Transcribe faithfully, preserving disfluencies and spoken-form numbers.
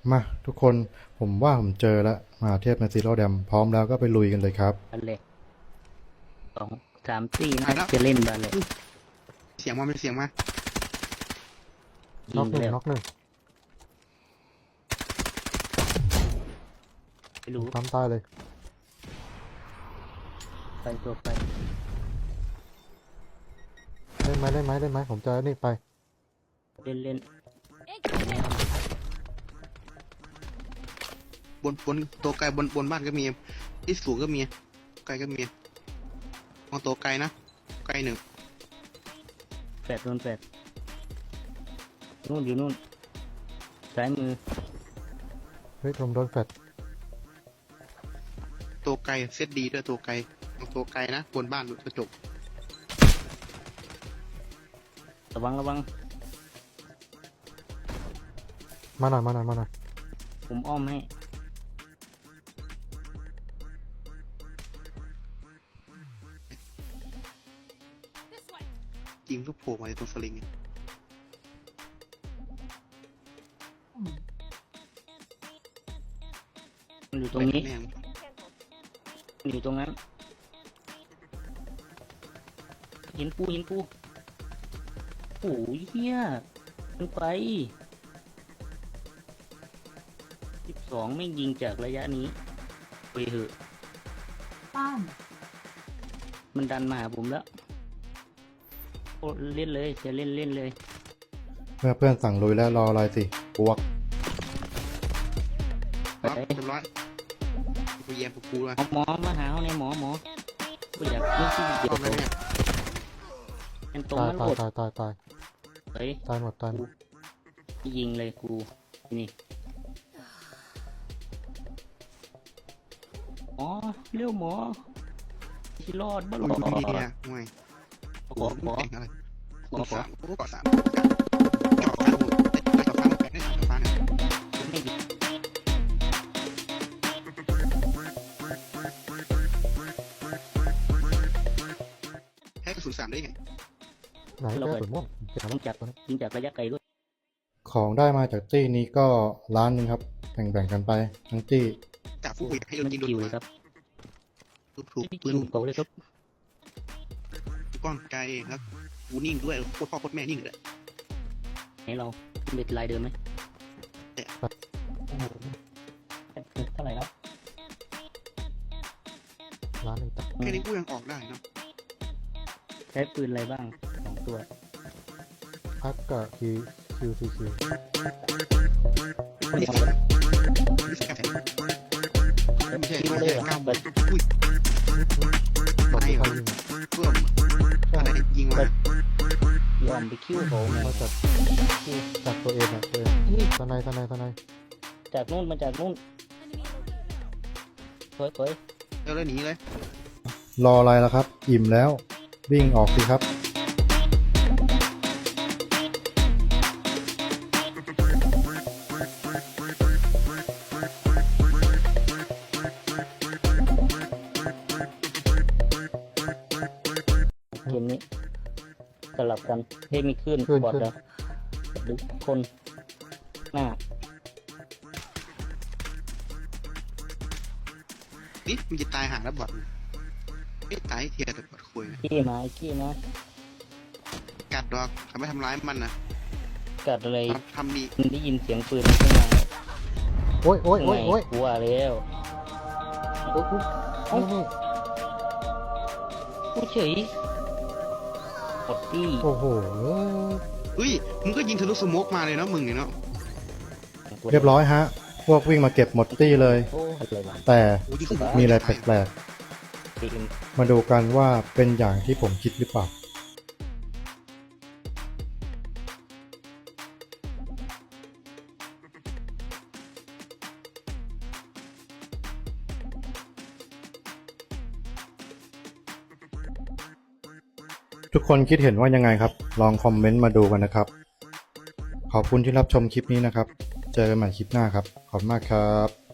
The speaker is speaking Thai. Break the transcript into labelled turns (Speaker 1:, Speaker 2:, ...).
Speaker 1: มาทุกคนผมว่าผมเจอแล้วมาเทพในซีโร่แดมพร้อมแล้วก็ไปลุยกันเลยครับ
Speaker 2: บาเล็กสองสามตี
Speaker 3: ไป
Speaker 2: น่า
Speaker 3: แล้ว
Speaker 2: จะเล่นบาเล็ก
Speaker 3: เสียงมาเป็นเสียงมา
Speaker 2: ยิ
Speaker 4: น็อก
Speaker 2: ง
Speaker 4: หนึ่ง
Speaker 2: แล้ว
Speaker 4: น็อกหนึ่ง
Speaker 2: ไม่รู้
Speaker 4: ตามตายเลย
Speaker 2: ไปตัวไป
Speaker 4: เล่นไหมเล่นไหมเล่นไหมผมจะนี่ไป
Speaker 2: เล่นเล่น
Speaker 3: บนบนตัวไกลบนบนบ้านก็มีที่สูงก็มีไกลก็มีมองตัวไกลนะไกลหนึ่ง
Speaker 2: แปดโดนแปดนู่นอยู่นู่นซ้ายมือ
Speaker 4: เฮ้ยผมโดนแฟด
Speaker 3: ตัวไกลเซตดีด้วยตัวไกลมองตัวไกลนะบนบ้านกระจก
Speaker 2: ระวังระวัง
Speaker 4: มาหน่อยมาหน่อยมาหน่อย
Speaker 2: ผมอ้อมให้
Speaker 3: ยิงลูกโผล่มาในตรงสลิงเนี่ย
Speaker 2: มันอยู่ตรงนี้
Speaker 3: แม่ง
Speaker 2: มันอยู่ตรงนั้นหินปูหินปูโอ้ยเฮียมันไปสิบสองไม่ยิงจากระยะนี้ไปเหอะ
Speaker 5: ป้าม
Speaker 2: มันดันมาหาผมแล้วโอ้เล่นเลยจะเล่นเล่นเลย
Speaker 1: เมื่อเพื่อนสั่งลุยแล้วรออะไรสิบวก
Speaker 2: ไป
Speaker 3: ครับเรียบร้อยกูแย่กูกูเลย
Speaker 2: เอาหมอมาหาเอาในหมอหมอกูอยากไม่ที่เดียว
Speaker 3: รอบแล้วเนี่ย
Speaker 2: เป็นตรง
Speaker 4: ตาย
Speaker 2: นั้น
Speaker 4: ตา
Speaker 2: ห
Speaker 4: ย
Speaker 2: มด
Speaker 4: ตายตายตาย
Speaker 2: เฮ้ย
Speaker 4: ตายหมดตายหมด
Speaker 2: ยิงเลยกูนี่หมอเร็วหมอที่รอดบ้าร
Speaker 3: กู
Speaker 2: อด
Speaker 3: มีเนี่ยห่วย
Speaker 2: ข
Speaker 3: โอ้
Speaker 2: อ
Speaker 3: โห
Speaker 2: ขอ
Speaker 3: แข่งอะไร
Speaker 2: ขอ
Speaker 3: กู
Speaker 2: ขอ
Speaker 3: สามกูก็สามจอดฟ้าโอ้โหจอดฟ้าแปดได้จอดฟ้าเนี่ย
Speaker 2: ไม่ยิง
Speaker 3: แค่กระสุนสามได้ไง
Speaker 4: ไหนแก้สุดม่วงเก็บ
Speaker 2: ต้องจับยิงจากระยะไกลด้วย
Speaker 1: ของได้มาจากตี้นี้ก็ล้านหนึงครับแบ่งๆกันไปทั้งตี้
Speaker 3: จับผู้อยากให้โดน
Speaker 2: มัน
Speaker 3: ยิงโดน
Speaker 2: คิว
Speaker 3: หั
Speaker 2: เล
Speaker 3: วย
Speaker 2: ครับ
Speaker 3: ถูกถูก
Speaker 2: ไม่
Speaker 3: ปื
Speaker 2: คิ
Speaker 3: น
Speaker 2: วเขาเลยครับ
Speaker 3: ก้อนไกลแล้วกูนิ่งด้วยโคตรพ่อโคตรแม่นิ่งเลย
Speaker 2: ให้เราเป็นลายเดิมไหมเท่าไหร่แล้ว
Speaker 4: ร้านหนึ่งตัด
Speaker 3: แค่นี้กูยังออกได้เนาะ
Speaker 2: ใช้ปืนอะไรบ้างสองตัว
Speaker 4: พักกับคิวคิวซีคิว
Speaker 3: ไม่ใช่ไม่ใช่ไม่ใช่
Speaker 2: คิว
Speaker 3: ไม่
Speaker 2: เล
Speaker 3: ใช่
Speaker 2: ย
Speaker 3: เก้า
Speaker 2: แบบ
Speaker 3: อุ้ย
Speaker 4: ตก
Speaker 3: ไม่
Speaker 4: ที่
Speaker 3: เหร
Speaker 4: ใคร
Speaker 3: อ
Speaker 4: ยิง
Speaker 3: เพิ่มอะไรยิงมาย
Speaker 2: อมไปคิวเขาไง
Speaker 4: มาจากจากตัวเองอะตัวเอง
Speaker 2: อุ้ย
Speaker 4: ทนายทนายทนาย
Speaker 2: จากนู่นมาจากนู่นเฮ้ยเฮ้ย
Speaker 3: เร็วเลยหนีเลย
Speaker 1: รออะไรล่ะครับ อิ่มแล้ววิ่งออกสิครับ
Speaker 2: เกมนี้สลับกันเฮ้ยมีขึ้น
Speaker 4: ขึ้น
Speaker 2: บอด
Speaker 4: ขึ้น
Speaker 2: แล้วหรือคนหน้า
Speaker 3: นี่มันจะตายหาแล้วบอดไม่ตายเทียแต่บอดคุย
Speaker 2: ขี้มาไอ้ขี้มา
Speaker 3: กัดดอกทำไม่ทำร้ายมันนะ
Speaker 2: กัดอะไร
Speaker 3: ทำดี
Speaker 2: มันได้ยินเสียงปืนข้างใน
Speaker 4: โอ้ยโอ้ยโอ้ยโอ้ย
Speaker 2: กลัวแล้วโอ้โห
Speaker 4: นี่นี่
Speaker 2: กูเฉยหมดที่
Speaker 4: โอ้โห
Speaker 3: อุ้ยมึงก็ยิงทะลุสโมกมาเลยเนาะมึงเนี่ยเนาะ
Speaker 1: เรียบร้อยฮะ พวกวิ่งมาเก็บหมดตี้เลย
Speaker 2: โอ้อะไรวะ
Speaker 1: แต่
Speaker 3: โอ้ยิงขึ้น
Speaker 1: มีอะไรแปลก
Speaker 2: เกม
Speaker 1: ๆมาดูกันว่าเป็นอย่างที่ผมคิดหรือเปล่าทุกคนคิดเห็นว่ายังไงครับ ลองคอมเมนต์มาดูกันนะครับ ขอบคุณที่รับชมคลิปนี้นะครับ เจอกันใหม่คลิปหน้าครับ ขอบคุณมากครับ